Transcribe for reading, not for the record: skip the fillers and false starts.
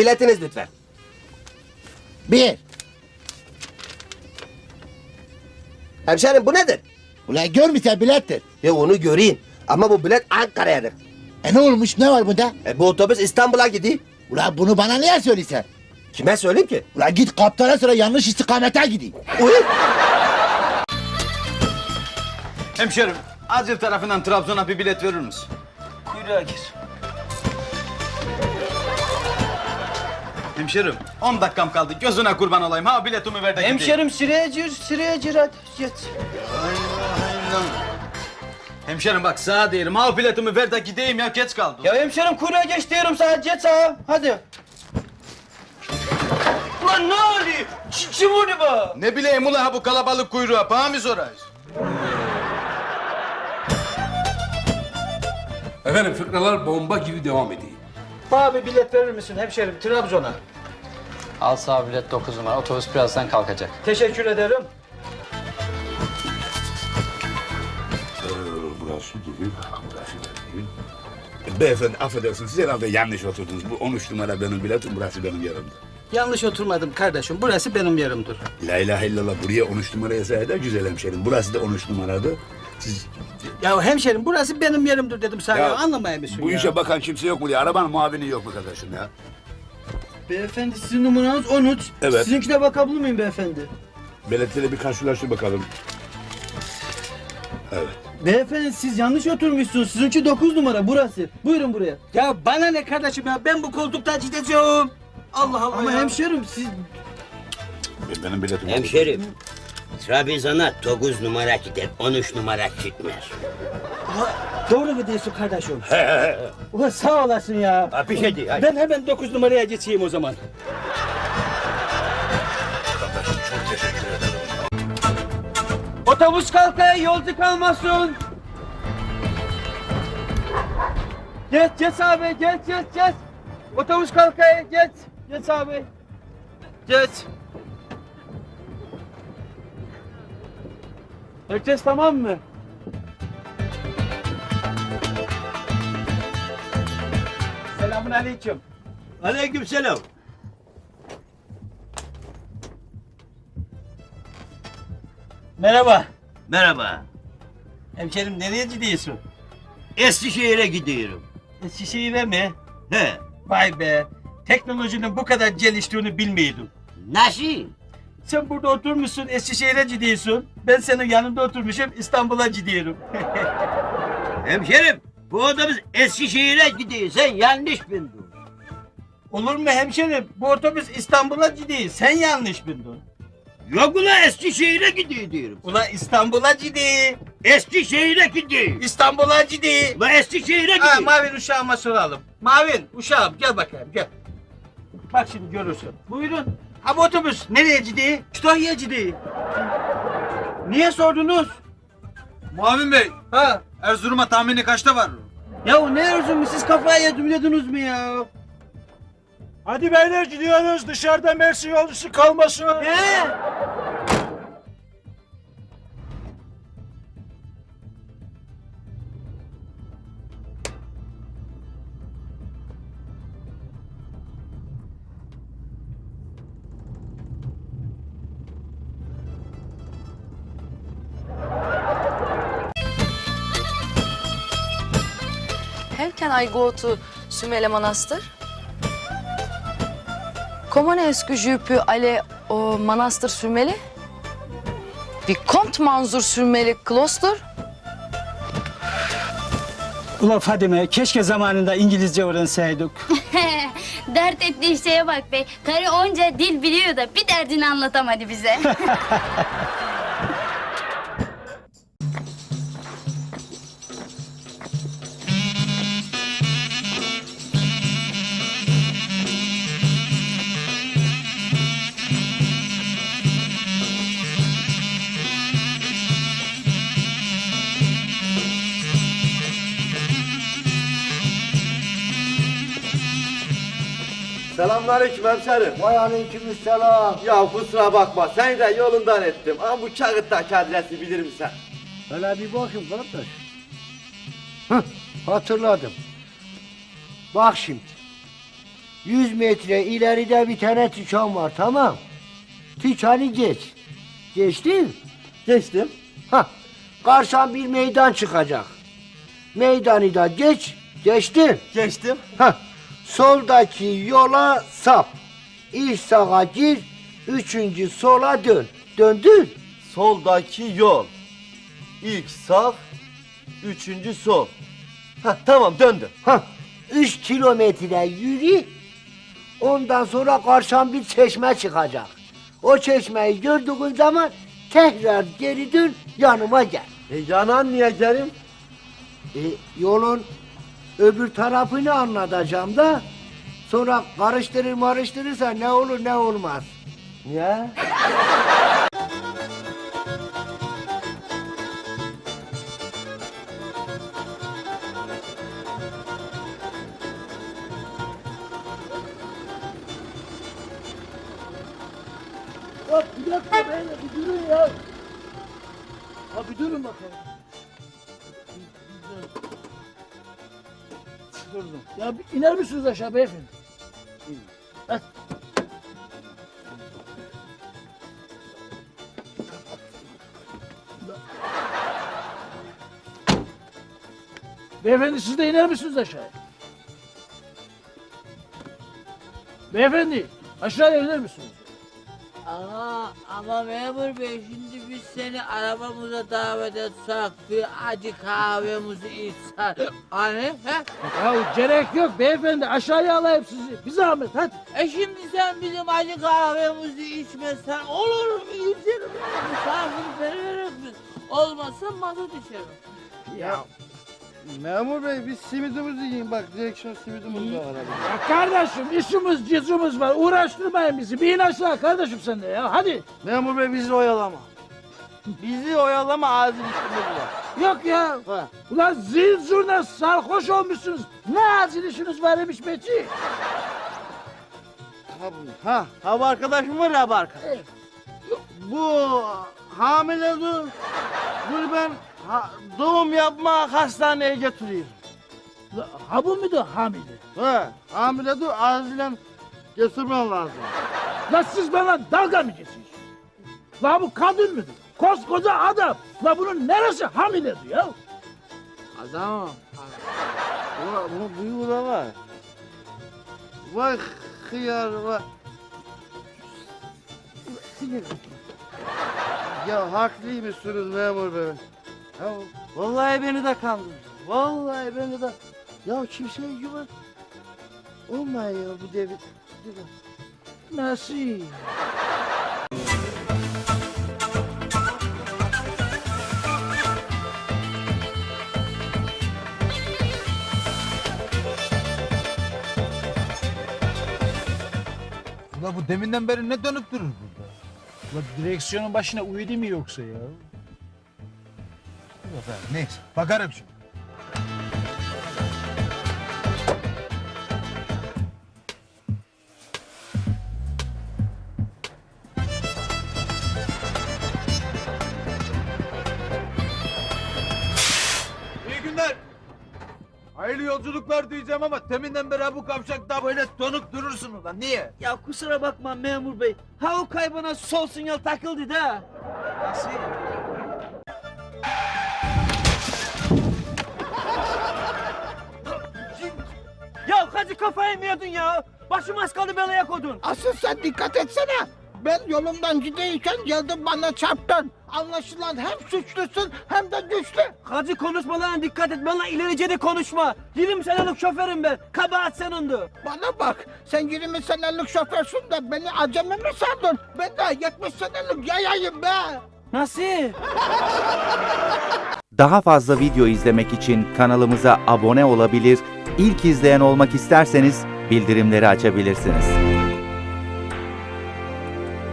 Biletiniz lütfen. 1. Hemşerim bu nedir? Ulan görmüşsen bilettir. Ya onu göreyim. Ama bu bilet Ankara'yadır. Ne olmuş, ne var bunda? Bu otobüs İstanbul'a gidiyor. Ulan bunu bana niye söylesen? Kime söyleyeyim ki? Ulan git kaptana sonra yanlış istikamete gideyim. Uy. Hemşerim, Acil tarafından Trabzon'a bir bilet verir misin? Kuyruğa gir. Hemşerim, 10 dakikam kaldı. Gözüne kurban olayım. Ha biletimi ver de gideyim. Hemşerim sıraya gir hadi geç. Hemşerim bak sağa değilim. Ha biletimi ver de gideyim ya geç kaldım. Ya hemşerim kuyruğa geç diyorum sana geç sağa hadi. Ulan ne oluyor? Kim onu bu? Ne bileyim ula ha bu kalabalık kuyruğa. Bana mı sorayız? Efendim fıkralar bomba gibi devam ediyor. Bana bir bilet verir misin hemşerim Trabzon'a? Al sağ bilet 9 numara. Otobüs birazdan kalkacak. Teşekkür ederim. Burası gibi, burası değil. Beyefendi affedersiniz, siz herhalde yanlış oturdunuz. Bu 13 numara benim biletim, burası benim yerimdir. Yanlış oturmadım kardeşim. Burası benim yerimdir. La ilahe illallah, buraya 13 numara yazsaydı da güzel hemşerim. Burası da 13 numaradı. Siz Ya hemşerim burası benim yerimdir dedim sana. Ya, anlamaya mısın bu ya? işe bakan kimse yok mu diye. Arabanın muavini yok mu kardeşim ya? Beyefendi sizin numaranız 13. Evet. Sizinkine bakabilir miyim beyefendi? Biletleri bir karşılaştır bakalım. Evet. Beyefendi siz yanlış oturmuşsunuz. Sizinki 9 numara burası. Buyurun buraya. Ya bana ne kardeşim ya? Ben bu koltuktan gideceğim. Allah Allah Ama hemşerim siz... Benim biletim Hemşerim, Trabzon'a 9 numara gider, 13 numara gitmez. Doğru mu diyorsun kardeşim? Ulan sağ olasın ya. Ha, bir şey değil. Hadi. Ben hemen 9 numaraya geçeyim o zaman. Kardeşim çok teşekkür ederim. Otobüs kalkaya yolcu kalmasın. Geç abi geç. Otobüs kalkaya geç. Geç abi. Geç. Herkes tamam mı? Selamun aleyküm. Aleykümselam. Merhaba. Merhaba. Hemşerim nereye gidiyorsun? Eskişehir'e gidiyorum. Eskişehir'e mi? He. Vay be. Teknolojinin bu kadar geliştiğini bilmiyordum. Nasıl? Sen burada oturmuşsun, Eskişehir'e gidiyorsun. Ben senin yanında oturmuşum, İstanbul'a gidiyorum. Hemşerim, bu otobüs Eskişehir'e gidiyor. Sen yanlış bildin. Olur mu hemşerim? Bu otobüs İstanbul'a gidiyor. Sen yanlış bildin. Yok ula Eskişehir'e gidiyor diyorum. Ula İstanbul'a gidiyor. Eskişehir'e gidiyor. İstanbul'a gidiyor. Ula Eskişehir'e Ha, gidiyor. Mavin uşağıma soralım. Mavin uşağım gel bakayım gel. Bak şimdi görürsün. Buyurun. Ha bu otobüs nereye gidiyor? Kütahya'ya gidiyor. Niye sordunuz? Muavin Bey, Ha? Erzurum'a tahmini kaçta var? Ya ne Erzurum siz kafaya yediniz mi ya? Hadi beyler gidiyoruz. Dışarıda Mersin yolcusu kalmasın. He? How can I go to Sümele Manastır? Comment est-ce que je peux aller au Manastır Sümele? Vicomte Manzur Sümele Kloster? Ulan Fadime keşke zamanında İngilizce öğrenseydik. Dert ettiği şeye bak be. Karı onca dil biliyor da bir derdini anlatamadı bize. Selamünaleyküm hemşerim. Vay aleykümselam. Ya kusura bakma seni de yolundan ettim. Ama bu kağıttaki adresi bilir misin? Hele bir bakayım kardeş. Hah, hatırladım. Bak şimdi. 100 metre ileride bir tane tüçan var, tamam. Tüçanı geç. Geçtin? Geçtim. Ha, karşıdan bir meydan çıkacak. Meydanı da geçtin. Geçtim. Ha, soldaki yola sap. İlk sağa gir, 3. sola dön. Döndün. Soldaki yol. İlk sağ, 3. sol. Ha tamam döndüm. Ha, 3 kilometre yürü. Ondan sonra karşıdan bir çeşme çıkacak. O çeşmeyi gördüğün zaman tekrar geri dön, yanıma gel. Yanan niye gelim? Yolun öbür tarafını anlatacağım da sonra karıştırırsa ne olur ne olmaz. Niye? Ya bir dakika beyler bir durun ya. Ya bir durun bakalım. Durdum. Ya bir iner misiniz aşağı beyefendi? Hadi. Beyefendi siz de iner misiniz aşağıya? Beyefendi aşağıya iner misiniz? Ama memur bey şimdi biz seni arabamıza davet etsek bir acı kahvemizi içsek. Hani he? Ya gerek yok beyefendi aşağıya alayım sizi. Bir zahmet hadi. Şimdi sen bizim acı kahvemizi içmezsen olur mu? İçerim. Misafirperver misin? Olmazsa mazot içerim. Ya Memur bey biz simidimizi yiyin bak direksiyon simidimiz var arabada. Ya kardeşim işimiz cizimiz var uğraştırmayın bizi. Bir in aşağı kardeşim sen de ya hadi. Memur bey bizi oyalama. Bizi oyalama acil işimiz var. Yok ya. Ha. Ulan zil zurna sarhoş olmuşsunuz. Ne acil işiniz var imiş Beci? Ha bu arkadaşım var ya bu arkadaş. Bu hamile dur. Bunu ben doğum yapma hastaneye götürüyorum. Ha bu muydu hamile? He hamile dur acilen götürmen lazım. La siz bana dalga mı geçiyorsunuz? La bu kadın mıdır? Koskoca adam. La bunun neresi hamiledir ya? Adamım. Bunun bıyığı da var. Vay hıyar vay. Ya haklıymışsınız memur bey. Ya, vallahi beni de kandırdı. Vallahi beni de. Ya kimseye güven. Olmuyor ya bu devir. Nasıl? Ula bu deminden beri ne dönüp durur burada? La direksiyonun başına uyudu mu yoksa ya? Dur efendim neyse bakarım şimdi. İyi günler. Hayırlı yolculuklar diyeceğim ama teminden beri bu kavşakta böyle donuk durursun ulan. Niye? Ya kusura bakma memur bey. Ha o kaybana sol sinyal takıldı da. Nasıl? Ya hacı kafayı mı yedin ya? Başım az kaldı belaya kodun. Asıl sen dikkat etsene. Ben yolumdan gideyken geldin bana çarptın. Anlaşılan hem suçlusun hem de güçlü. Hacı konuşmalarına dikkat et. Bana ilerice de konuşma. 20 senelik şoförüm ben. Kabahat senindu. Bana bak, sen 20 senelik şoförsün de beni acemi mi sandın? Ben de 70 senelik yayayım be. Nasıl? Daha fazla video izlemek için kanalımıza abone olabilir, ilk izleyen olmak isterseniz bildirimleri açabilirsiniz.